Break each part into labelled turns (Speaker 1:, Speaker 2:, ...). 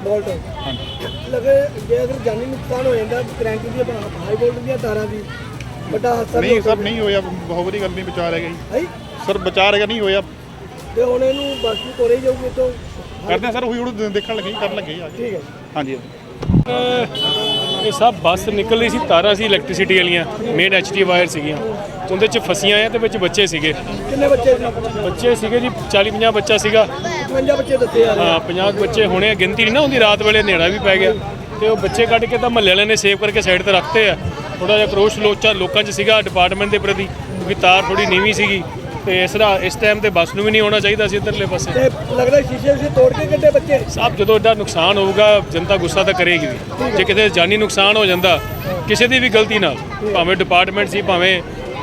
Speaker 1: bolt ਲਗੇ ਜੇ ਅਗਰ ਜਾਨੀ ਨੁਕਸਾਨ ਹੋ ਜਾਂਦਾ ਕਰੰਟ ਦੀ ਹਾਈ ਵੋਲਟ ਦੀਆਂ ਤਾਰਾਂ ਦੀ ਵੱਡਾ ਹਾਦਸਾ
Speaker 2: ਨਹੀਂ ਸਰ ਨਹੀਂ ਹੋਇਆ ਬਹੁਤ ਵਧੀਆ ਗੱਲ ਨਹੀਂ ਬਚਾ ਰਹਿ ਗਈ ਸਰ ਬਚਾ ਰਹਿ ਨਹੀਂ ਹੋਇਆ
Speaker 1: ਤੇ ਹੁਣ ਇਹਨੂੰ ਬੱਸ ਨੂੰ ਤੋਰੇ ਜਾਊਗੇ ਤੋਂ
Speaker 2: ਕਰਦੇ ਸਰ ਉਹੀ ਹੁਣ ਦੇਖਣ ਲੱਗੇ ਕਰਨ ਲੱਗੇ ਆ
Speaker 1: ਠੀਕ ਹੈ
Speaker 2: ਹਾਂਜੀ
Speaker 3: ਇਹ ਸਭ ਬੱਸ ਨਿਕਲ ਰਹੀ ਸੀ ਤਾਰਾਂ ਸੀ ਇਲੈਕਟ੍ਰਿਸਿਟੀ ਵਾਲੀਆਂ ਮੇਨ ਐਚਟੀ ਵਾਇਰ ਸੀਗੀਆਂ ਉਹਦੇ ਚ ਫਸੀਆਂ ਆ ਤੇ ਵਿੱਚ ਬੱਚੇ ਸੀਗੇ
Speaker 1: ਕਿੰਨੇ ਬੱਚੇ ਸੀ
Speaker 3: ਬੱਚੇ ਸੀਗੇ ਜੀ 40-50 ਬੱਚਾ ਸੀਗਾ
Speaker 1: 55 ਬੱਚੇ ਦੱਸੇ ਆ
Speaker 3: ਹਾਂ 50 ਬੱਚੇ ਹੋਣੇ ਗਿਣਤੀ ਨਹੀਂ ਨਾ ਹੁੰਦੀ ਰਾਤ ਵੇਲੇ ਹਨੇਰਾ ਵੀ ਪੈ ਗਿਆ ਤੇ ਉਹ ਬੱਚੇ ਕੱਢ ਕੇ ਤਾਂ ਮਹੱਲੇ ਵਾਲਿਆਂ ਨੇ ਸੇਵ ਕਰਕੇ ਸਾਈਡ ਤੇ ਰੱਖਤੇ ਆ ਥੋੜਾ ਜਿਹਾ ਕਰੋਸ਼ ਲੋਕਾਂ 'ਚ ਸੀਗਾ ਡਿਪਾਰਟਮੈਂਟ ਦੇ ਪ੍ਰਤੀ ਕਿਉਂਕਿ ਤਾਰ ਥੋੜੀ ਨੀਵੀਂ ਸੀਗੀ ਤੇ ਇਸ ਟਾਈਮ ਤੇ ਬੱਸ ਨੂੰ ਵੀ ਨਹੀਂ ਆਉਣਾ ਚਾਹੀਦਾ ਸੀ ਇੱਧਰਲੇ ਪਾਸੇ
Speaker 1: ਤੇ ਲੱਗਦਾ ਸ਼ੀਸ਼ੇ ਤੋੜ ਕੇ ਕੱਢੇ ਬੱਚੇ
Speaker 3: ਸਭ ਜਦੋਂ ਐਡਾ ਨੁਕਸਾਨ ਹੋਊਗਾ ਜਨਤਾ ਗੁੱਸਾ ਤਾਂ ਕਰੇਗੀ ਵੀ ਜੇ ਕਿਤੇ ਜਾਨੀ ਨੁਕਸਾਨ ਹੋ ਜਾਂਦਾ ਕਿਸੇ ਦੀ ਵੀ ਗਲਤੀ ਨਾਲ ਭਾਵੇਂ ਡਿਪਾਰਟਮੈਂਟ ਸੀ ਭਾਵੇਂ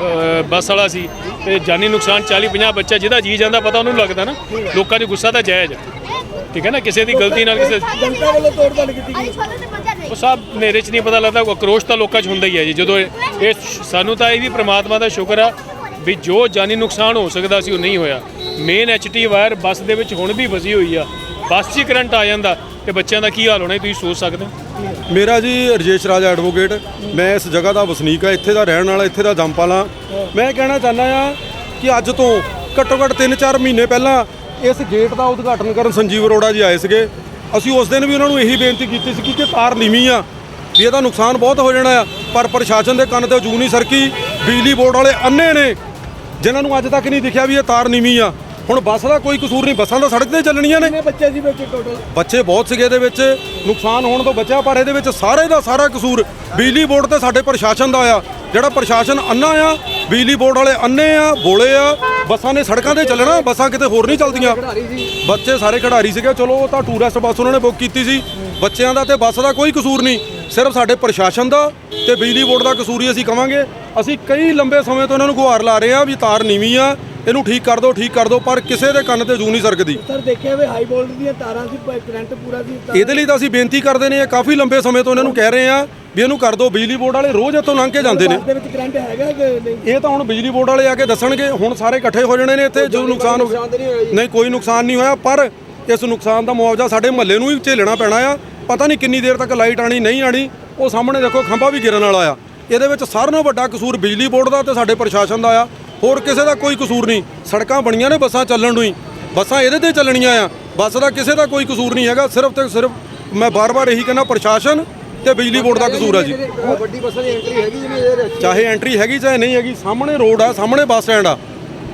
Speaker 3: ਬੱਸ ਵਾਲਾ ਸੀ ਤੇ ਜਾਨੀ ਨੁਕਸਾਨ 40-50 ਬੱਚਾ ਜਿਹਦਾ ਜੀ ਜਾਂਦਾ ਪਤਾ ਉਹਨੂੰ ਲੱਗਦਾ ਨਾ ਲੋਕਾਂ 'ਚ ਗੁੱਸਾ ਤਾਂ ਜਾਇਜ਼ ਠੀਕ ਹੈ ਨਾ ਕਿਸੇ ਦੀ ਗਲਤੀ ਨਾਲ ਕਿਸੇ
Speaker 1: ਜਨਤਾ ਵੱਲੋਂ ਤੋੜਦਾਨ ਕੀਤੀ ਗਈ
Speaker 3: ਉਹ ਸਭ ਹਨੇਰੇ 'ਚ ਨਹੀਂ ਪਤਾ ਲੱਗਦਾ ਆਕਰੋਸ਼ ਤਾਂ ਲੋਕਾਂ 'ਚ ਹੁੰਦਾ ਹੀ ਹੈ ਜੀ ਜਦੋਂ ਇਹ ਸਾਨੂੰ ਤਾਂ ਇਹ ਵੀ ਪ੍ਰਮਾਤਮਾ ਦਾ ਸ਼ੁਕਰ ਆ ਵੀ ਜੋ ਜਾਨੀ ਨੁਕਸਾਨ ਹੋ ਸਕਦਾ ਸੀ ਉਹ ਨਹੀਂ ਹੋਇਆ ਮੇਨ ਐਚਟੀ ਵਾਇਰ ਬੱਸ ਦੇ ਵਿੱਚ ਹੁਣ ਵੀ ਫਸੀ ਹੋਈ ਆ ਬੱਸ 'ਚ ਕਰੰਟ ਆ ਜਾਂਦਾ ਤੇ ਬੱਚਿਆਂ ਦਾ ਕੀ ਹਾਲ ਹੋਣਾ ਤੁਸੀਂ ਸੋਚ ਸਕਦੇ ਹੋ
Speaker 4: ਮੇਰਾ ਜੀ ਰਜੇਸ਼ ਰਾਜ ਐਡਵੋਕੇਟ ਮੈਂ ਇਸ ਜਗ੍ਹਾ ਦਾ ਵਸਨੀਕ ਆ ਇੱਥੇ ਦਾ ਰਹਿਣ ਵਾਲਾ ਇੱਥੇ ਦਾ ਜੰਮਪਾਲਾ ਮੈਂ ਕਹਿਣਾ ਚਾਹੁੰਦਾ ਆ ਕਿ ਅੱਜ ਤੋਂ ਘੱਟੋ ਘੱਟ 3-4 ਮਹੀਨੇ ਪਹਿਲਾਂ ਇਸ ਗੇਟ ਦਾ ਉਦਘਾਟਨ ਕਰਨ ਸੰਜੀਵ ਅਰੋੜਾ ਜੀ ਆਏ ਸੀਗੇ ਅਸੀਂ ਉਸ ਦਿਨ ਵੀ ਉਹਨਾਂ ਨੂੰ ਇਹੀ ਬੇਨਤੀ ਕੀਤੀ ਸੀ ਕਿ ਤਾਰ ਨੀਵੀਂ ਆ ਵੀ ਇਹਦਾ ਨੁਕਸਾਨ ਬਹੁਤ ਹੋ ਜਾਣਾ ਆ ਪਰ ਪ੍ਰਸ਼ਾਸਨ ਦੇ ਕੰਨ ਤੇ ਜੂ ਨਹੀਂ ਸਰਕੀ ਬਿਜਲੀ ਬੋਰਡ ਵਾਲੇ ਅੰਨੇ ਨੇ ਜਿਨ੍ਹਾਂ ਨੂੰ ਅੱਜ ਤੱਕ ਨਹੀਂ ਦਿਖਿਆ ਵੀ ਇਹ ਤਾਰ ਨੀਵੀਂ ਆ ਹੁਣ ਬੱਸ ਦਾ ਕੋਈ ਕਸੂਰ ਨਹੀਂ ਬੱਸਾਂ ਤਾਂ ਸੜਕ ਤੇ ਚੱਲਣੀਆਂ ਨੇ
Speaker 1: ਬੱਚੇ ਸੀ ਵਿੱਚ ਟੋਟਲ
Speaker 4: ਬੱਚੇ ਬਹੁਤ ਸੀਗੇ ਇਹਦੇ ਵਿੱਚ ਨੁਕਸਾਨ ਹੋਣ ਤੋਂ ਬਚਿਆ ਪਰ ਇਹਦੇ ਵਿੱਚ ਸਾਰੇ ਦਾ ਸਾਰਾ ਕਸੂਰ ਬਿਜਲੀ ਬੋਰਡ ਤੇ ਸਾਡੇ ਪ੍ਰਸ਼ਾਸਨ ਦਾ ਆ ਜਿਹੜਾ ਪ੍ਰਸ਼ਾਸਨ ਅੰਨਾ ਆ ਬਿਜਲੀ ਬੋਰਡ ਵਾਲੇ ਅੰਨੇ ਆ ਬੋਲੇ ਆ ਬੱਸਾਂ ਨੇ ਸੜਕਾਂ ਤੇ ਚੱਲਣਾ ਬੱਸਾਂ ਕਿਤੇ ਹੋਰ ਨਹੀਂ ਚੱਲਦੀਆਂ ਬੱਚੇ ਸਾਰੇ ਖਿਡਾਰੀ ਸੀਗੇ ਚਲੋ ਉਹ ਤਾਂ ਟੂਰਿਸਟ ਬੱਸ ਉਹਨਾਂ ਨੇ ਬੁੱਕ ਕੀਤੀ ਸੀ ਬੱਚਿਆਂ ਦਾ ਤੇ ਬੱਸ ਦਾ ਕੋਈ ਕਸੂਰ ਨਹੀਂ ਸਿਰਫ ਸਾਡੇ ਪ੍ਰਸ਼ਾਸਨ ਦਾ ਤੇ ਬਿਜਲੀ ਬੋਰਡ ਦਾ ਕਸੂਰ ਹੀ ਅਸੀਂ ਕਵਾਂਗੇ ਅਸੀਂ ਕਈ ਲੰਬੇ ਸਮੇਂ ਤੋਂ ਇਹਨਾਂ ਨੂੰ ਗੁਹਾਰ ਲਾ ਰਹੇ ਆ ਵੀ ਤਾਰ ਨੀਵੀਂ ਆ ਇਹਨੂੰ ਠੀਕ ਕਰ ਦਿਓ ਪਰ ਕਿਸੇ ਦੇ ਕੰਨ ਤੇ ਜੂ ਨਹੀਂ ਸਰਕਦੀ
Speaker 1: ਸਰ ਦੇਖਿਆ ਵੀ ਹਾਈ ਵੋਲਟ ਦੀਆਂ ਤਾਰਾਂ ਸੀ ਕਰੰਟ ਪੂਰਾ ਸੀ
Speaker 4: ਇਹਦੇ ਲਈ ਤਾਂ ਅਸੀਂ ਬੇਨਤੀ ਕਰਦੇ ਨੇ ਕਾਫੀ ਲੰਬੇ ਸਮੇਂ ਤੋਂ ਇਹਨਾਂ ਨੂੰ ਕਹਿ ਰਹੇ ਆ ਵੀ ਇਹਨੂੰ ਕਰ ਦਿਓ ਬਿਜਲੀ ਬੋਰਡ ਵਾਲੇ ਰੋਜ਼ ਇੱਥੋਂ ਲੰਘ ਕੇ ਜਾਂਦੇ ਨੇ
Speaker 1: ਦੇ ਵਿੱਚ ਕਰੰਟ ਹੈਗਾ ਕਿ ਨਹੀਂ
Speaker 4: ਇਹ ਤਾਂ ਹੁਣ ਬਿਜਲੀ ਬੋਰਡ ਵਾਲੇ ਆ ਕੇ ਦੱਸਣਗੇ ਹੁਣ ਸਾਰੇ ਇਕੱਠੇ ਹੋ ਜਾਣੇ ਨੇ ਇੱਥੇ ਜੋ ਨੁਕਸਾਨ ਹੋ ਗਿਆ ਨਹੀਂ ਕੋਈ ਨੁਕਸਾਨ ਨਹੀਂ ਹੋਇਆ ਪਰ ਇਸ ਨੁਕਸਾਨ ਦਾ ਮੁਆਵਜ਼ਾ ਸਾਡੇ ਮਹੱਲੇ ਨੂੰ ਹੀ ਝੇਲਣਾ ਪੈਣਾ ਆ ਪਤਾ ਨਹੀਂ ਕਿੰਨੀ ਦੇਰ ਤੱਕ ਲਾਈਟ ਆਣੀ ਨਹੀਂ ਆਣੀ ਉਹ ਸਾਹਮਣੇ ਦੇਖੋ ਖੰਭਾ ਵੀ ਗਿਰਨ ਵਾਲਾ ਆ ਇਹਦੇ ਵਿੱਚ ਸਾਰਿਆਂ ਨਾਲੋਂ ਵੱਡਾ ਕਸੂਰ ਬਿਜਲੀ ਬੋਰਡ ਦਾ ਤੇ ਸਾਡੇ ਪ੍ਰਸ਼ਾਸਨ ਦਾ ਆ ਹੋਰ ਕਿਸੇ ਦਾ ਕੋਈ ਕਸੂਰ ਨਹੀਂ ਸੜਕਾਂ ਬਣੀਆਂ ਨੇ ਬੱਸਾਂ ਚੱਲਣ ਨੂੰ ਹੀ ਬੱਸਾਂ ਇਹਦੇ ਤੇ ਚੱਲਣੀਆਂ ਆ ਬੱਸ ਦਾ ਕਿਸੇ ਦਾ ਕੋਈ ਕਸੂਰ ਨਹੀਂ ਹੈਗਾ ਸਿਰਫ ਤੇ ਸਿਰਫ ਮੈਂ ਬਾਰ-ਬਾਰ ਇਹੀ ਕਹਿੰਦਾ ਪ੍ਰਸ਼ਾਸਨ ਤੇ ਬਿਜਲੀ ਬੋਰਡ ਦਾ ਕਸੂਰ ਆ ਜੀ
Speaker 1: ਵੱਡੀ ਬੱਸਾਂ ਦੀ ਐਂਟਰੀ ਹੈਗੀ ਜਿਵੇਂ
Speaker 4: ਚਾਹੇ ਐਂਟਰੀ ਹੈਗੀ ਚਾਹੇ ਨਹੀਂ ਹੈਗੀ ਸਾਹਮਣੇ ਰੋਡ ਆ ਸਾਹਮਣੇ ਬੱਸ ਸਟੈਂਡ ਆ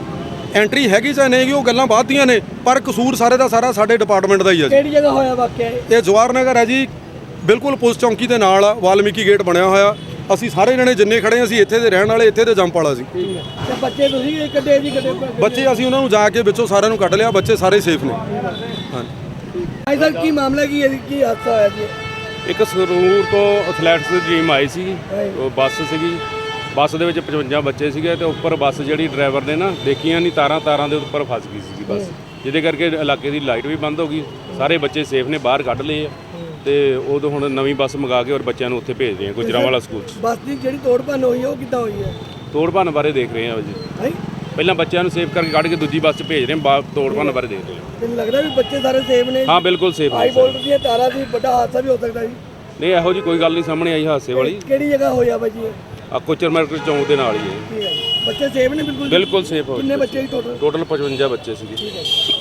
Speaker 4: ਐਂਟਰੀ ਹੈਗੀ ਚਾਹੇ ਨਹੀਂ ਹੈਗੀ ਉਹ ਗੱਲਾਂ ਬਾਅਦ ਦੀਆਂ ਨੇ ਪਰ ਕਸੂਰ ਸਾਰੇ ਦਾ ਸਾਰਾ ਸਾਡੇ ਡਿਪਾਰਟਮੈਂਟ ਦਾ ਹੀ ਆ ਜੀ
Speaker 1: ਕਿਹੜੀ ਜਗ੍ਹਾ ਹੋਇਆ ਵਾਕਿਆ
Speaker 4: ਇਹ ਜਵਾਹਰ ਨਗਰ ਹੈ ਜੀ ਬਿਲਕੁਲ ਪੁਲਿਸ ਚੌਂਕੀ ਦੇ ਨਾਲ ਆ ਵਾਲਮੀਕੀ ਗੇਟ ਬਣਿਆ ਹੋਇਆ ਅਸੀਂ ਸਾਰੇ ਜਣੇ ਜਿੰਨੇ ਖੜੇ ਅਸੀਂ ਇੱਥੇ ਦੇ ਰਹਿਣ ਵਾਲੇ ਇੱਥੇ ਦੇ ਜੰਮਪਾਲਾ ਸੀ
Speaker 1: ਤੇ ਬੱਚੇ ਤੁਸੀਂ ਕੱਢੇ ਜੀ ਕੱਢੇ
Speaker 4: ਬੱਚੇ ਅਸੀਂ ਉਹਨਾਂ ਨੂੰ ਜਾ ਕੇ ਵਿੱਚੋਂ ਸਾਰਿਆਂ ਨੂੰ ਕੱਢ ਲਿਆ ਬੱਚੇ ਸਾਰੇ ਸੇਫ ਨੇ
Speaker 1: ਭਾਈ ਸਰ ਕੀ ਮਾਮਲਾ ਕੀ ਹੈ ਕੀ ਹਾਦਸਾ ਹੋਇਆ ਜੀ
Speaker 5: ਇੱਕ ਸਰੂਰ ਤੋਂ ਐਥਲੈਟਿਕਸ ਦੀ ਟੀਮ ਆਈ ਸੀ ਉਹ ਬੱਸ ਸੀਗੀ ਬੱਸ ਦੇ ਵਿੱਚ 55 ਬੱਚੇ ਸੀਗੇ ਤੇ ਉੱਪਰ ਬੱਸ ਜਿਹੜੀ ਡਰਾਈਵਰ ਨੇ ਨਾ ਦੇਖੀਆਂ ਨਹੀਂ ਤਾਰਾਂ ਦੇ ਉੱਪਰ ਫਸ ਗਈ ਸੀ ਬੱਸ ਜਿਹਦੇ ਕਰਕੇ ਇਲਾਕੇ ਦੀ ਲਾਈਟ ਵੀ ਬੰਦ ਹੋ ਗਈ ਸਾਰੇ ਬੱਚੇ ਸੇਫ ਨੇ ਬਾਹਰ ਕੱਢ ਲਏ ਆ ਤੇ ਉਦੋਂ ਹੁਣ ਨਵੀਂ ਬੱਸ ਮੰਗਾ ਕੇ ਔਰ ਬੱਚਿਆਂ ਨੂੰ ਉੱਥੇ ਭੇਜ ਰਹੇ ਆ ਗੁਜਰਾਂਵਾਲਾ ਸਕੂਲ 'ਚ
Speaker 1: ਬੱਸ ਦੀ ਜਿਹੜੀ ਤੋੜ ਭੰਨ ਹੋਈ ਹੈ ਉਹ ਕਿੱਦਾਂ ਹੋਈ ਹੈ
Speaker 5: ਤੋੜ ਭੰਨ ਬਾਰੇ ਦੇਖ ਰਹੇ ਆ ਜੀ ਪਹਿਲਾਂ ਬੱਚਿਆਂ ਨੂੰ ਸੇਫ ਕਰਕੇ ਕੱਢ ਕੇ ਦੂਜੀ ਬੱਸ 'ਚ ਭੇਜ ਰਹੇ ਆ ਤੋੜ ਭੰਨ ਬਾਰੇ ਦੇਖ ਰਹੇ ਆ
Speaker 1: ਮੈਨੂੰ ਲੱਗਦਾ ਵੀ ਬੱਚੇ ਸਾਰੇ ਸੇਫ ਨੇ
Speaker 5: ਹਾਂ ਬਿਲਕੁਲ ਸੇਫ
Speaker 1: ਹਾਈ ਵੋਲਟ ਦੀਆਂ ਤਾਰਾਂ ਦੀ ਵੱਡਾ ਹਾਦਸਾ ਵੀ ਹੋ ਸਕਦਾ ਜੀ
Speaker 5: ਨਹੀਂ ਇਹੋ ਜੀ ਕੋਈ ਗੱਲ ਨਹੀਂ ਸਾਹਮਣੇ ਆਈ ਹਾਦਸੇ ਵਾਲੀ
Speaker 1: ਕਿਹੜੀ ਜਗ੍ਹਾ ਹੋਇਆ ਬਾਜੀ
Speaker 5: ਆ ਕੋਚਰ ਮਾਰਕੀਟ ਚੌਂਕ ਦੇ ਨਾਲ ਹੀ ਹੈ
Speaker 1: ਬੱਚੇ ਸੇਫ ਨੇ ਬਿਲਕੁਲ
Speaker 5: ਸੇਫ ਹੋ
Speaker 1: ਕਿੰਨੇ ਬੱਚੇ ਟੋਟਲ
Speaker 5: 55 ਬੱਚੇ ਸੀਗੇ